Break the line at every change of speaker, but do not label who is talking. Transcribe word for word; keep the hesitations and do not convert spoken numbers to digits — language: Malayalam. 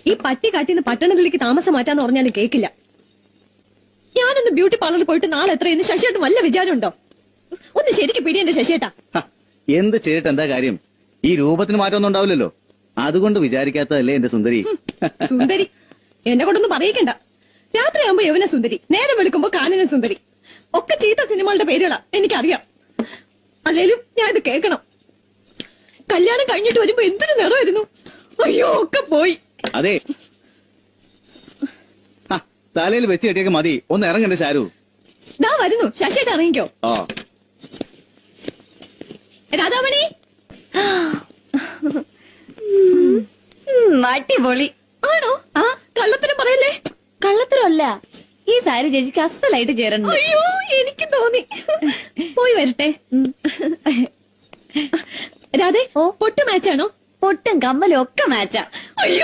ഈ പറ്റി കാട്ടിന്ന് പട്ടണത്തിലേക്ക് താമസം മാറ്റാന്ന് പറഞ്ഞാലും കേക്കില്ല. ഞാനൊന്ന് ബ്യൂട്ടി പാർലറിൽ പോയിട്ട് നാളെ എത്രയെന്ന് ശശിയേട്ടൻ വല്ല വിചാരമുണ്ടോ? ഒന്ന് ശരിക്ക് പിടി എന്റെ ശശിയേട്ടാ.
എന്ത് ചെയ്തിട്ട് എന്താ കാര്യം? ഈ രൂപത്തിന് മാറ്റമൊന്നും ഉണ്ടാവില്ലല്ലോ. അതുകൊണ്ട് വിചാരിക്കാത്തതല്ലേ എന്റെ സുന്ദരി.
സുന്ദരി എന്നെ കൊണ്ടൊന്നും പറയിക്കണ്ട. രാത്രിയാകുമ്പോ യവന സുന്ദരി, നേരം വെളുക്കുമ്പോ കാനന സുന്ദരി, ഒക്കെ ചീത്ത സിനിമകളുടെ പേരുകളാ എനിക്കറിയാം. അല്ലേലും ഞാൻ ഇത് കേൾക്കണം. കല്യാണം കഴിഞ്ഞിട്ട് വരുമ്പോ എന്തൊരു നിറമായിരുന്നു. അയ്യോ ഒക്കെ പോയി.
അതെ, തലയിൽ വെച്ച് കെട്ടിയൊക്കെ മതി. ഒന്ന് ഇറങ്ങണ്ടേ ശാരു?
ദാ വരുന്നു. ശശിയേട്ട ഇറങ്ങിക്കോ.
ആ
രാധാമണി,
അടിപൊളി
ആണോ? ആ കള്ളത്തരം പറയല്ലേ.
കള്ളത്തരമല്ല, ഈ സാരി ചേച്ചിക്ക് അസലായിട്ട് ചേരണം.
അയ്യോ എനിക്ക് തോന്നി. പോയി വരട്ടെ. രാധേ,
ഓ
പൊട്ട് മാച്ചാണോ?
പൊട്ടും കമ്മലും ഒക്കെ മാച്ചാ.
അയ്യോ